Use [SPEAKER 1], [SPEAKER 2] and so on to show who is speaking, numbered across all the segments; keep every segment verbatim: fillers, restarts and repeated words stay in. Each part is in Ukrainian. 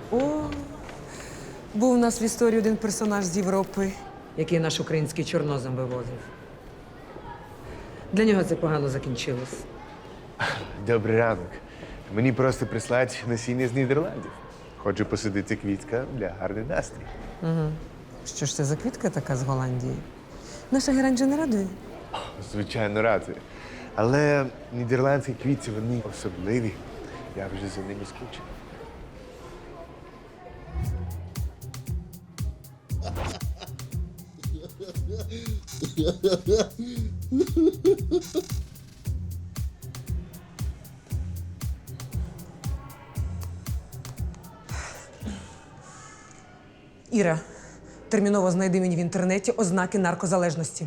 [SPEAKER 1] О, був у нас в історії один персонаж з Європи, який наш український чорнозем вивозив. Для нього це погано закінчилось.
[SPEAKER 2] Добрий ранок. Мені просто прислать насіння з Нідерландів. Хочу посадити квітка для гарний настрій.
[SPEAKER 1] Що ж це за квітка така з Голландії? Наша геранджа не радує?
[SPEAKER 2] Звичайно, радий. Але нідерландські квітці, вони особливі. Я вже за ними скучив.
[SPEAKER 1] Іра, терміново знайди мені в інтернеті ознаки наркозалежності.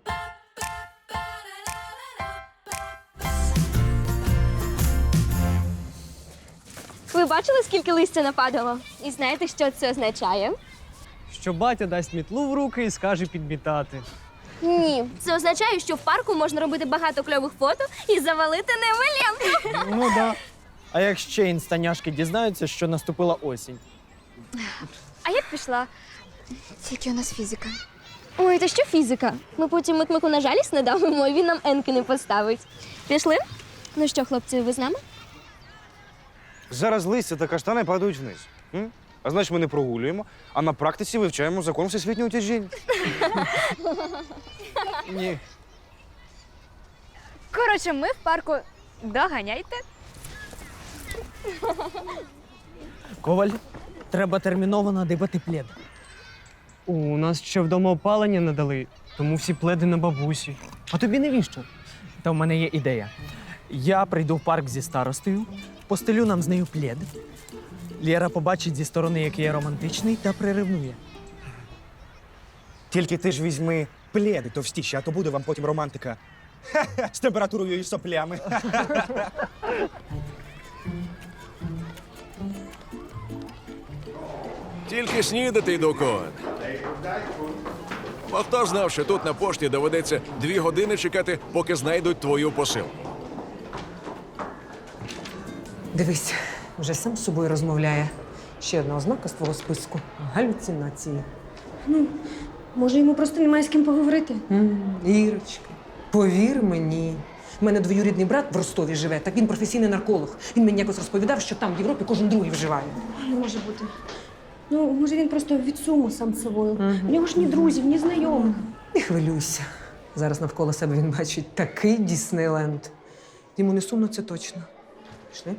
[SPEAKER 3] Ви бачили, скільки листя нападало? І знаєте, що це означає?
[SPEAKER 4] Що батя дасть мітлу в руки і скаже підмітати.
[SPEAKER 3] Ні. Це означає, що в парку можна робити багато кльових фото і завалити невелемку.
[SPEAKER 4] Ну да. А як ще інстаняшки дізнаються, що наступила осінь?
[SPEAKER 3] А я б пішла. Тільки у нас фізика. Ой, та що фізика? Ми потім Микмику на жалість не дамо, і він нам енки не поставить. Пішли? Ну що, хлопці, ви з нами?
[SPEAKER 5] Зараз листя та каштани падають вниз. М? А значить, ми не прогулюємо, а на практиці вивчаємо закон всесвітнього тяжіння.
[SPEAKER 4] Ні.
[SPEAKER 6] Коротше, ми в парку. Доганяйте.
[SPEAKER 4] Коваль, треба терміново надибати плед. У нас ще вдома опалення не дали, тому всі пледи на бабусі. А тобі навіщо? Та в мене є ідея. Я прийду в парк зі старостою, постелю нам з нею плед. Лєра побачить зі сторони, який я романтичний, та приревнує.
[SPEAKER 7] Тільки ти ж візьми пледи товстіші, а то буде вам потім романтика. Ха-ха, з температурою і соплями.
[SPEAKER 8] Тільки снідати йду, Коен. А хто знав, що тут на пошті доведеться дві години чекати, поки знайдуть твою посилку?
[SPEAKER 1] Дивись, вже сам з собою розмовляє. Ще одна ознака з твого списку – галюцинації.
[SPEAKER 9] Може, йому просто немає з ким поговорити?
[SPEAKER 1] М, Ірочка, повір мені. У мене двоюрідний брат в Ростові живе, так він професійний нарколог. Він мені якось розповідав, що там в Європі кожен другий вживає.
[SPEAKER 9] Не може бути. Ну, може, він просто від суму сам з собою. У нього ж ні друзів, ні знайомих.
[SPEAKER 1] Не хвилюйся. Зараз навколо себе він бачить такий Діснейленд. Йому не сумно, це точно. Пішли.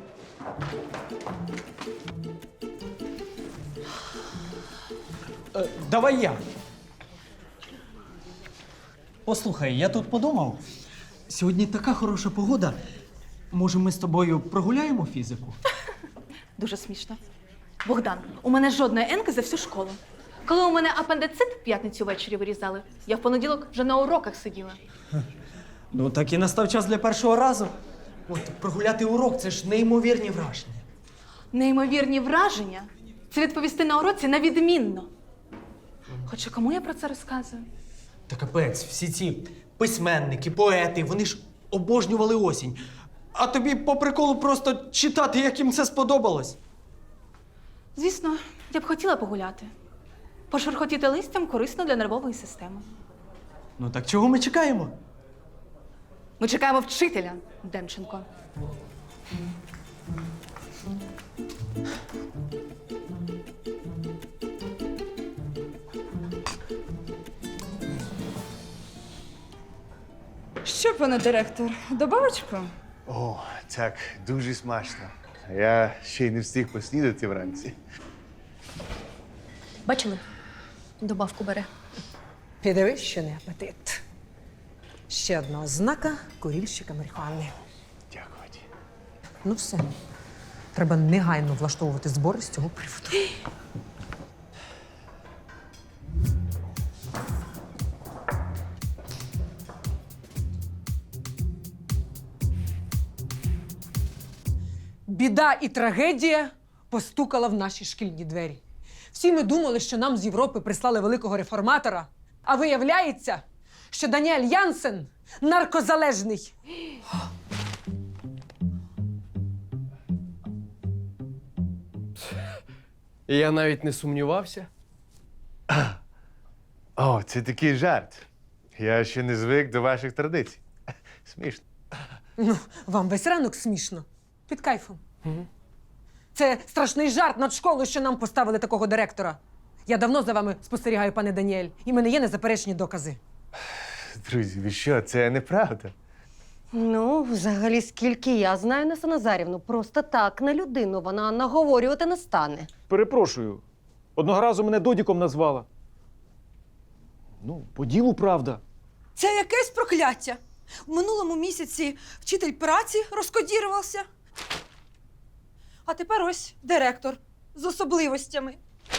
[SPEAKER 4] Е, давай я. Послухай, я тут подумав. Сьогодні така хороша погода. Може, ми з тобою прогуляємо фізику?
[SPEAKER 6] Дуже смішно. Богдан, у мене жодної енки за всю школу. Коли у мене апендицит в п'ятницю ввечері вирізали, я в понеділок вже на уроках сиділа.
[SPEAKER 4] Ну, так і настав час для першого разу. От прогуляти урок це ж неймовірні враження.
[SPEAKER 6] Неймовірні враження – це відповісти на уроці на відмінно. Хоча кому я про це розказую?
[SPEAKER 4] Та капець, всі ці письменники, поети, вони ж обожнювали осінь. А тобі по приколу просто читати, як їм це сподобалось.
[SPEAKER 6] Звісно, я б хотіла погуляти. Пошурхотіти листям корисно для нервової системи.
[SPEAKER 4] Ну так чого ми чекаємо?
[SPEAKER 6] Ми чекаємо вчителя, Демченко.
[SPEAKER 10] Що, пане директор, добавочку?
[SPEAKER 2] О, так, дуже смачно. Я ще й не встиг поснідати вранці.
[SPEAKER 3] Бачили? Добавку бере.
[SPEAKER 1] Підивись, що не апетит. Ще одна ознака курільщика марихуани.
[SPEAKER 2] Дякую.
[SPEAKER 1] Ну все. Треба негайно влаштовувати збори з цього приводу. Біда і трагедія постукала в наші шкільні двері. Всі ми думали, що нам з Європи прислали великого реформатора, а виявляється, що Даніель Янсен наркозалежний.
[SPEAKER 11] Я навіть не сумнівався.
[SPEAKER 2] О, це такий жарт. Я ще не звик до ваших традицій. Смішно.
[SPEAKER 1] Ну, вам весь ранок смішно. Під кайфом. Це страшний жарт над школою, що нам поставили такого директора. Я давно за вами спостерігаю, пане Даніель, і в мене є незаперечні докази.
[SPEAKER 2] Друзі, ви що, це неправда.
[SPEAKER 12] Ну, взагалі, скільки я знаю Несу Назарівну, просто так на людину вона наговорювати не стане.
[SPEAKER 13] Перепрошую. Одного разу мене Додіком назвала. Ну, по ділу правда.
[SPEAKER 10] Це якесь прокляття. В минулому місяці вчитель праці розкодірувався. А тепер ось директор з особливостями.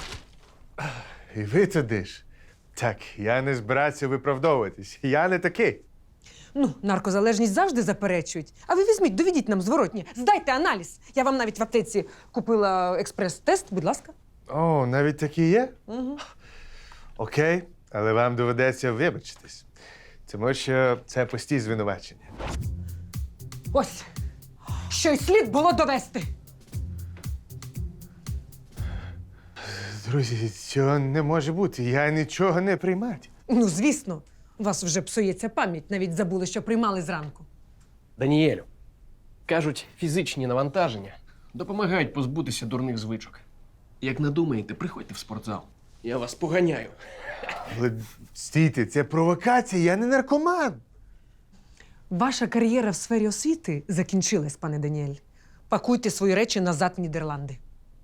[SPEAKER 2] І ви туди ж. Так, я не збирався виправдовуватись. Я не такий.
[SPEAKER 1] Ну, наркозалежність завжди заперечують. А ви візьміть, доведіть нам зворотні. Здайте аналіз. Я вам навіть в аптеці купила експрес-тест, будь ласка.
[SPEAKER 2] О, навіть такі є?
[SPEAKER 1] Угу.
[SPEAKER 2] Окей, але вам доведеться вибачитись. Тому що це пусті звинувачення.
[SPEAKER 1] Ось, що й слід було довести.
[SPEAKER 2] Друзі, цього не може бути. Я нічого не приймати.
[SPEAKER 1] Ну, звісно, у вас вже псується пам'ять, навіть забули, що приймали зранку.
[SPEAKER 11] Даніелю, кажуть, фізичні навантаження допомагають позбутися дурних звичок. Як надумаєте, приходьте в спортзал. Я вас поганяю.
[SPEAKER 2] Але стійте, це провокація, я не наркоман.
[SPEAKER 1] Ваша кар'єра в сфері освіти закінчилась, пане Даніель. Пакуйте свої речі назад в Нідерланди.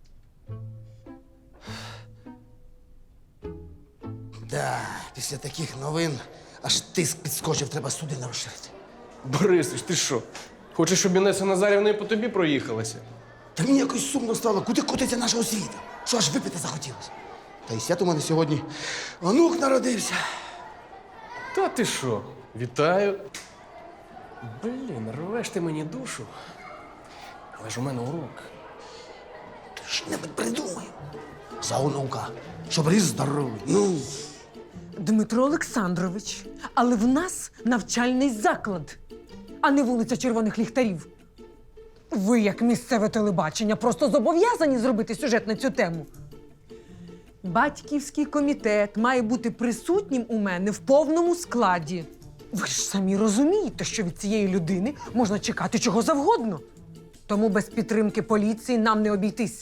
[SPEAKER 14] Да, після таких новин аж тиск підскочив, треба судина розширити.
[SPEAKER 11] Борисич, ти що? Хочеш, щоб Інеса Назарівна і по тобі проїхалася?
[SPEAKER 14] Та мені якось сумно стало, куди котиться наша освіта? Що аж випити захотілося? Та й свят у мене сьогодні онук народився.
[SPEAKER 11] Та ти що? Вітаю. Блін, рвеш ти мені душу. Але ж у мене урок.
[SPEAKER 14] Ти що-небудь придумай. За онука, щоб ріс здоровий. Ну.
[SPEAKER 1] Дмитро Олександрович, але в нас навчальний заклад, а не вулиця Червоних Ліхтарів. Ви, як місцеве телебачення, просто зобов'язані зробити сюжет на цю тему. Батьківський комітет має бути присутнім у мене в повному складі. Ви ж самі розумієте, що від цієї людини можна чекати чого завгодно. Тому без підтримки поліції нам не обійтись.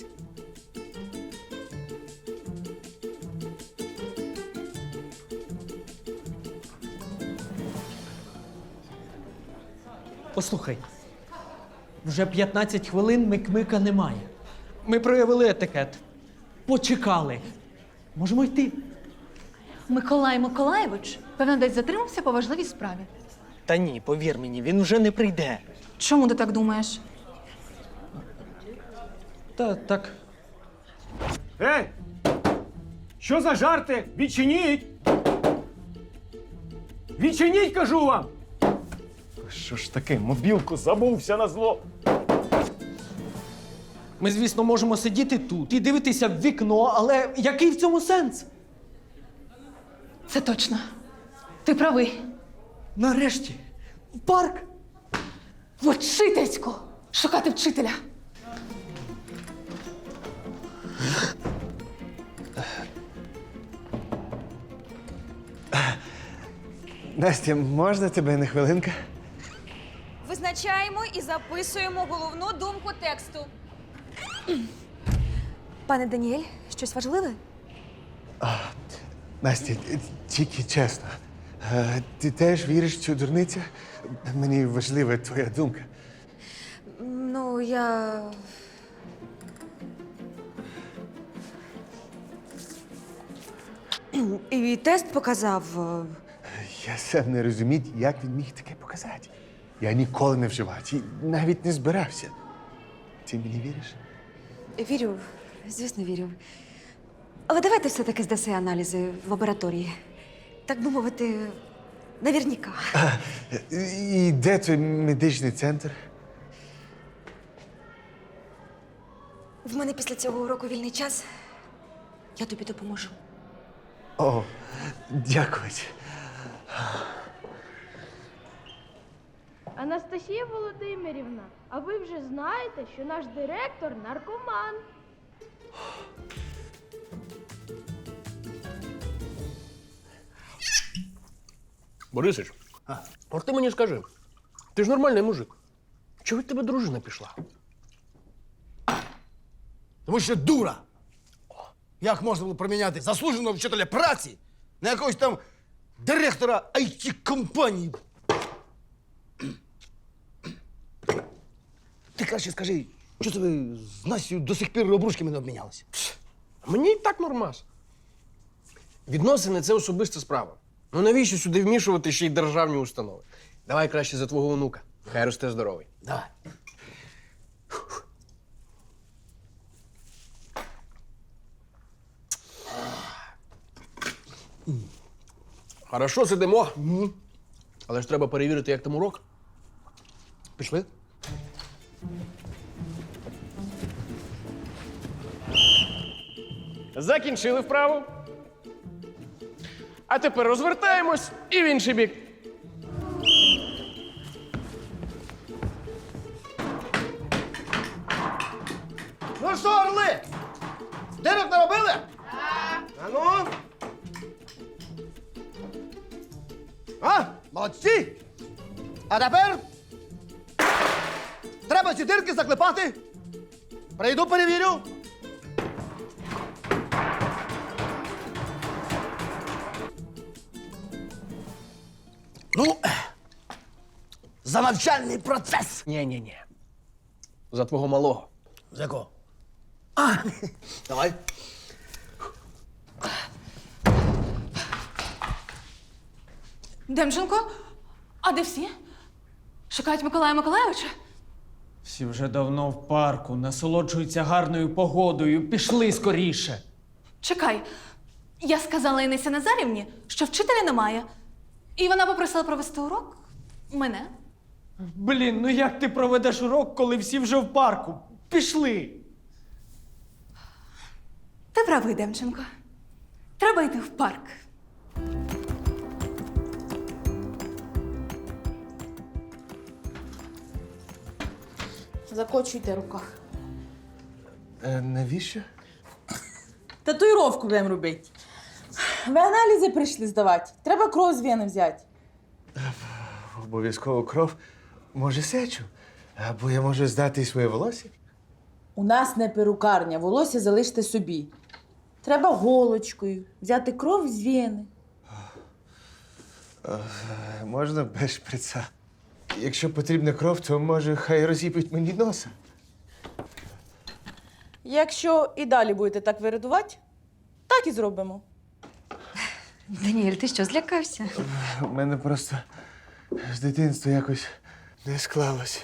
[SPEAKER 4] Послухай, вже п'ятнадцять хвилин Микмика немає. Ми проявили етикет. Почекали. Можемо йти.
[SPEAKER 6] Миколай Миколаєвич, певно, десь затримався по важливій справі.
[SPEAKER 4] Та ні, повір мені, він вже не прийде.
[SPEAKER 6] Чому ти так думаєш?
[SPEAKER 4] Та так.
[SPEAKER 13] Ей! Що за жарти? Відчиніть! Відчиніть, кажу вам! Що ж таке, мобілку забувся на зло.
[SPEAKER 4] Ми, звісно, можемо сидіти тут і дивитися в вікно, але який в цьому сенс?
[SPEAKER 6] Це точно. Ти правий.
[SPEAKER 4] Нарешті, в парк.
[SPEAKER 6] В учительську! Шукати вчителя.
[SPEAKER 2] Настя, можна тебе на хвилинку?
[SPEAKER 10] Визначаємо і записуємо головну думку тексту. Пане Даніель, щось важливе?
[SPEAKER 2] Настя, тільки чесно. е, Ти теж віриш в цю дурницю? Мені важлива твоя думка.
[SPEAKER 10] Ну, я. І тест показав.
[SPEAKER 2] Я сам не розумію, як він міг таке показати. Я ніколи не вживав і навіть не збирався. Ти мені віриш?
[SPEAKER 10] Вірю, звісно, вірю. Але давайте все-таки здаси аналізи в лабораторії. Так би мовити, навірніка.
[SPEAKER 2] І де той медичний центр?
[SPEAKER 10] В мене після цього уроку вільний час. Я тобі допоможу.
[SPEAKER 2] О, дякую.
[SPEAKER 3] Анастасія Володимирівна, а ви вже знаєте, що наш директор наркоман.
[SPEAKER 11] Борисич, от ти мені скажи, ти ж нормальний мужик. Чого від тебе дружина пішла?
[SPEAKER 14] Тому що дура. Як можна було проміняти заслуженого вчителя праці на якогось там директора ай ті-компанії? Ти краще скажи, що це ви з Настю до сих пір обручками не обмінялися?
[SPEAKER 11] Мені і так нормас. Відносини це особиста справа. Ну навіщо сюди вмішувати ще й державні установи? Давай краще за твого онука. Хай росте здоровий.
[SPEAKER 14] Давай.
[SPEAKER 11] Хорошо, сидимо. Але ж треба перевірити, як там урок.
[SPEAKER 14] Пішли?
[SPEAKER 11] Закінчили вправу. А тепер розвертаємось і в інший бік.
[SPEAKER 14] Ну що, орли? Дирок наробили? Так. А ну? А? Молодці! А тепер треба ці дирки заклепати. Прийду, перевірю. Ну, за навчальний процес.
[SPEAKER 11] Ні-ні-ні. За твого малого.
[SPEAKER 14] За якого? А, давай.
[SPEAKER 6] Демченко, а де всі? Шукають Миколая Миколайовича?
[SPEAKER 4] Всі вже давно в парку, насолоджуються гарною погодою. Пішли скоріше.
[SPEAKER 6] Чекай, я сказала Інесі Назарівні, що вчителя немає. І вона попросила провести урок мене.
[SPEAKER 4] Блін, ну як ти проведеш урок, коли всі вже в парку? Пішли.
[SPEAKER 6] Ти правий, Демченко. Треба йти в парк.
[SPEAKER 15] Закочуйте в руках.
[SPEAKER 2] Е, навіщо?
[SPEAKER 15] Татуїровку будемо робити. Ви аналізи прийшли здавати. Треба кров з вени взяти.
[SPEAKER 2] Обов'язково кров. Може, сечу? Або я можу здати своє волосся?
[SPEAKER 15] У нас не перукарня, волосся залиште собі. Треба голочкою взяти кров з вени.
[SPEAKER 2] Е, можна без шприца. Якщо потрібна кров, то може хай розіпить мені носа.
[SPEAKER 15] Якщо і далі будете так виридувати, так і зробимо.
[SPEAKER 16] Даніель, ти що, злякався?
[SPEAKER 2] У мене просто з дитинства якось не склалось.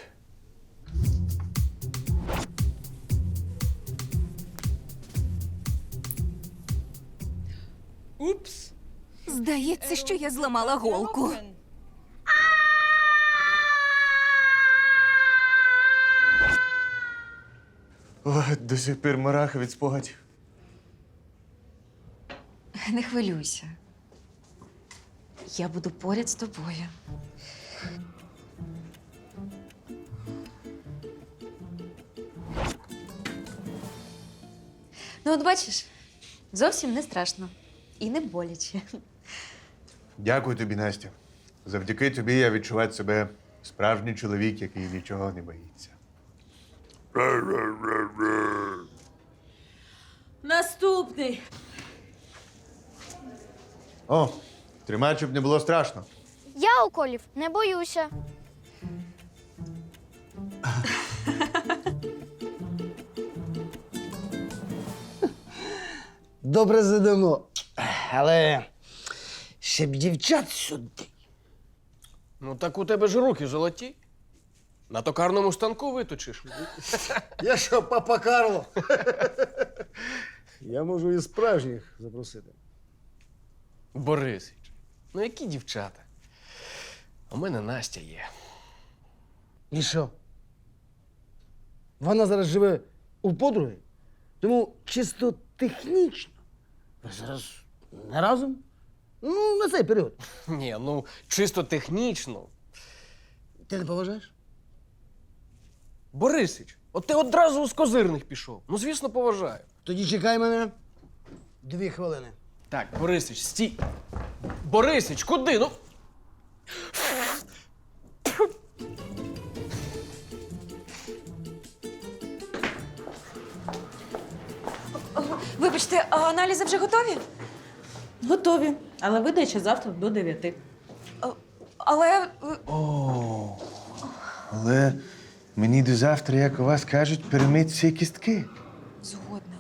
[SPEAKER 15] Упс.
[SPEAKER 16] Здається, що я зламала голку.
[SPEAKER 2] О, до сих пір мурахи від спогадів.
[SPEAKER 16] Не хвилюйся. Я буду поряд з тобою. Ну, от бачиш, зовсім не страшно і не боляче.
[SPEAKER 2] Дякую тобі, Настя. Завдяки тобі я відчуваю себе справжній чоловік, який нічого не боїться.
[SPEAKER 15] Наступний.
[SPEAKER 2] О, тримай, щоб не було страшно.
[SPEAKER 3] Я уколів не боюся.
[SPEAKER 14] Добре сидимо. Але ще б дівчат сюди.
[SPEAKER 11] Ну так у тебе ж руки золоті. На токарному станку виточиш.
[SPEAKER 14] Я що, папа Карло? Я можу і справжніх запросити.
[SPEAKER 11] Борисич, ну які дівчата? У мене Настя є.
[SPEAKER 14] І що? Вона зараз живе у подруги, тому чисто технічно. Ви зараз не разом? Ну, на цей період.
[SPEAKER 11] Ні, ну чисто технічно.
[SPEAKER 14] Ти не поважаєш?
[SPEAKER 11] Борисич, от ти одразу з козирних пішов. Ну, звісно, поважаю.
[SPEAKER 14] Тоді чекай мене дві хвилини.
[SPEAKER 11] Так, Борисич, стій. Борисич, куди? Ну.
[SPEAKER 16] Вибачте, а аналізи вже готові?
[SPEAKER 15] Готові, але видача завтра до дев'яти.
[SPEAKER 16] Але.
[SPEAKER 2] О, але мені до завтра, як у вас кажуть, перемить всі кістки.
[SPEAKER 16] Згодна.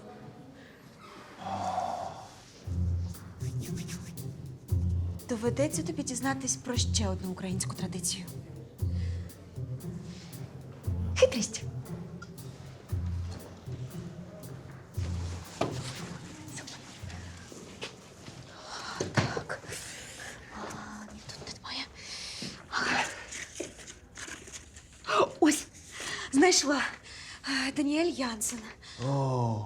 [SPEAKER 16] Доведеться тобі дізнатись про ще одну українську традицію. Хитрість. Так. А, ні, тут немає. Ось, знайшла. Е, Даніель Янсен.
[SPEAKER 2] О,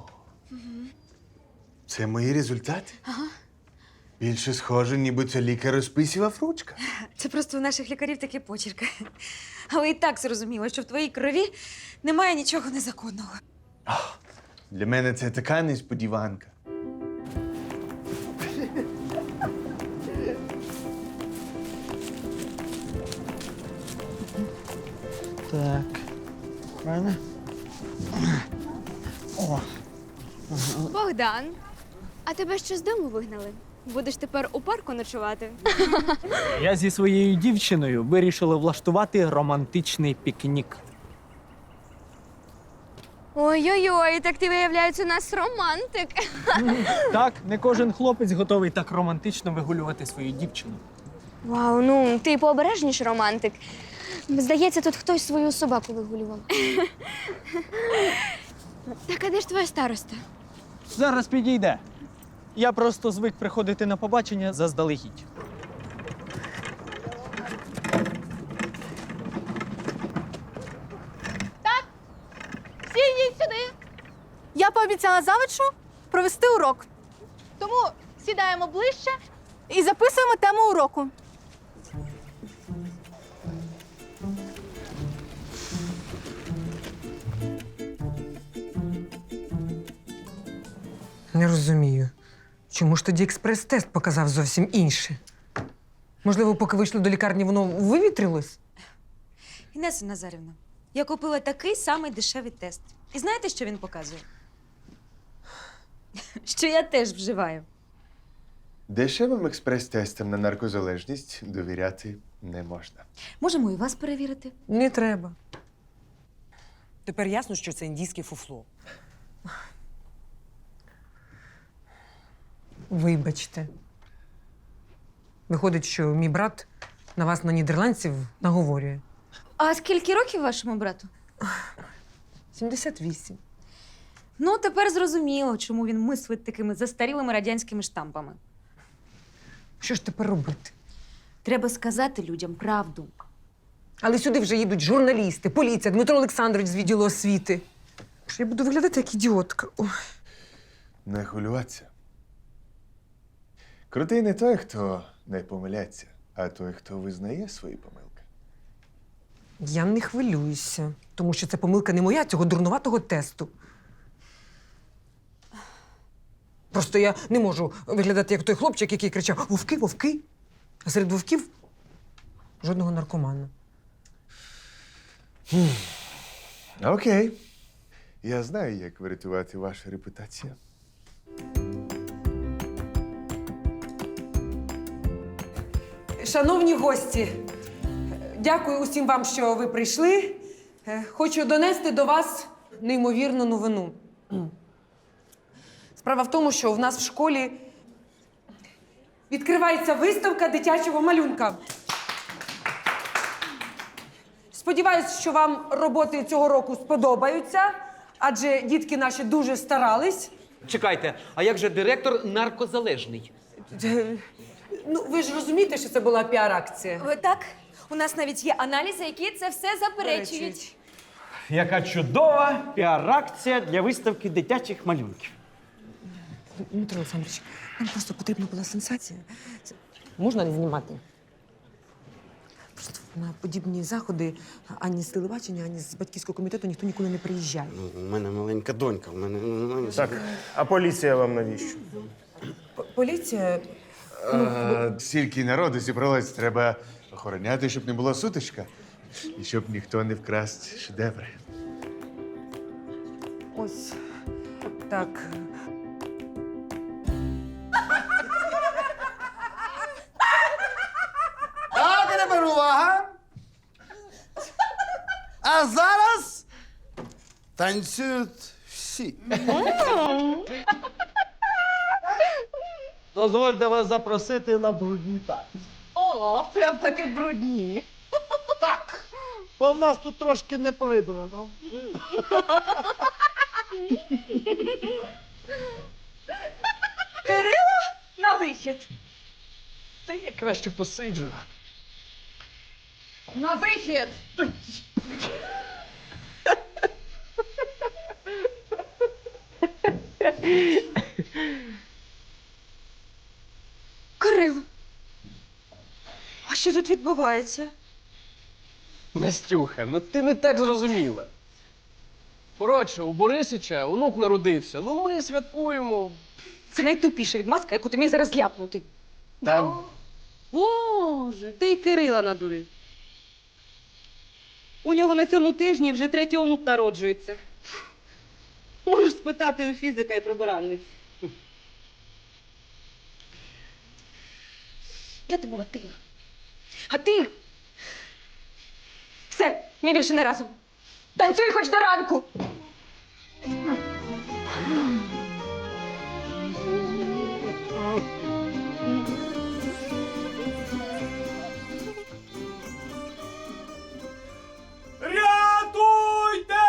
[SPEAKER 2] це мої результати?
[SPEAKER 16] Ага.
[SPEAKER 2] Більше схоже, ніби це лікар розписував ручка.
[SPEAKER 16] Це просто у наших лікарів такі почерки. Але і так зрозуміло, що в твоїй крові немає нічого незаконного.
[SPEAKER 2] Для мене це така несподіванка.
[SPEAKER 4] Так. Правильно? О.
[SPEAKER 3] Богдан, а тебе що з дому вигнали? Будеш тепер у парку ночувати?
[SPEAKER 4] Я зі своєю дівчиною вирішили влаштувати романтичний пікнік.
[SPEAKER 3] Ой-ой-ой, так ти, виявляється, у нас романтик.
[SPEAKER 4] Так, не кожен хлопець готовий так романтично вигулювати свою дівчину.
[SPEAKER 3] Вау, ну ти пообережніш романтик. Здається, тут хтось свою собаку вигулював. Так, а де ж твоя староста?
[SPEAKER 4] Зараз підійде. Я просто звик приходити на побачення заздалегідь.
[SPEAKER 6] Всі йдіть сюди. Я пообіцяла завучу провести урок. Тому сідаємо ближче і записуємо тему уроку.
[SPEAKER 1] Не розумію. Чому ж тоді експрес-тест показав зовсім інше? Можливо, поки вийшли до лікарні, воно вивітрилось?
[SPEAKER 16] Інеса Назарівна, я купила такий самий дешевий тест. І знаєте, що він показує? Що я теж вживаю.
[SPEAKER 2] Дешевим експрес-тестам на наркозалежність довіряти не можна.
[SPEAKER 16] Можемо і вас перевірити.
[SPEAKER 1] Не треба. Тепер ясно, що це індійське фуфло. Вибачте. Виходить, що мій брат на вас, на нідерландців, наговорює.
[SPEAKER 16] А скільки років вашому брату?
[SPEAKER 1] сімдесят вісім.
[SPEAKER 16] Ну, тепер зрозуміло, чому він мислить такими застарілими радянськими штампами.
[SPEAKER 1] Що ж тепер робити?
[SPEAKER 16] Треба сказати людям правду.
[SPEAKER 1] Але сюди вже їдуть журналісти, поліція, Дмитро Олександрович з відділу освіти. Що я буду виглядати як ідіотка. Ой.
[SPEAKER 2] Не хвилюватися. Крутий не той, хто не помиляється, а той, хто визнає свої помилки.
[SPEAKER 1] Я не хвилююся, тому що це помилка не моя, цього дурнуватого тесту. Просто я не можу виглядати як той хлопчик, який кричав «Вовки, вовки!» А серед вовків жодного наркомана.
[SPEAKER 2] Окей. Я знаю, як врятувати вашу репутацію.
[SPEAKER 1] Шановні гості, дякую усім вам, що ви прийшли. Е, Хочу донести до вас неймовірну новину. Справа в тому, що в нас в школі відкривається виставка дитячого малюнка. Сподіваюсь, що вам роботи цього року сподобаються, адже дітки наші дуже старались.
[SPEAKER 17] Чекайте, а як же директор наркозалежний?
[SPEAKER 1] Е, Ну, ви ж розумієте, що це була піар-акція.
[SPEAKER 16] Так, у нас навіть є аналізи, які це все заперечують.
[SPEAKER 4] Яка чудова піар-акція для виставки дитячих малюнків.
[SPEAKER 1] Дмитро Олександрович, нам просто потрібна була сенсація. Це можна не знімати? Просто на подібні заходи ані з телебачення, ані з батьківського комітету ніхто ніколи не приїжджає.
[SPEAKER 18] У мене маленька донька, у мене немає.
[SPEAKER 13] Так, а поліція вам навіщо?
[SPEAKER 1] Поліція.
[SPEAKER 2] А, стільки народу зібралось, треба Охороняти, щоб не була сутичка. І щоб ніхто не вкрасть шедеври.
[SPEAKER 1] Ось так.
[SPEAKER 14] Так, а тепер увага! А зараз танцюють всі.
[SPEAKER 19] Дозвольте вас запросити на брудні танці.
[SPEAKER 10] О, прям таки брудні.
[SPEAKER 19] Так, бо в нас тут трошки не прибрано.
[SPEAKER 10] Кирило, на вихід.
[SPEAKER 19] Та я краще посиджу.
[SPEAKER 10] На вихід.
[SPEAKER 16] Кирило, а що тут відбувається?
[SPEAKER 11] Настюха, ну ти не так зрозуміла. Коротше, у Борисича онук народився. Ну ми святкуємо.
[SPEAKER 16] Це найтупіша відмазка, яку ти міг зараз ляпнути.
[SPEAKER 11] Там
[SPEAKER 12] Боже, ти й Кирила надурив. У нього на цьому тижні вже третій онук народжується. Можеш спитати у фізика і прибиральниць.
[SPEAKER 16] Я ти була ти. А ти? Все, ми більше не разом. Танцюй хоч до ранку.
[SPEAKER 19] Рятуйте!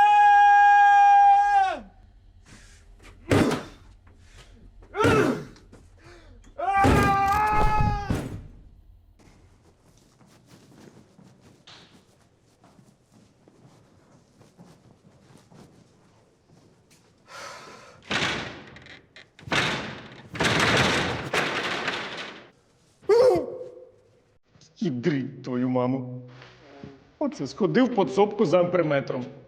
[SPEAKER 13] Ідрить твою маму. Оце сходив по цопку за амперметром.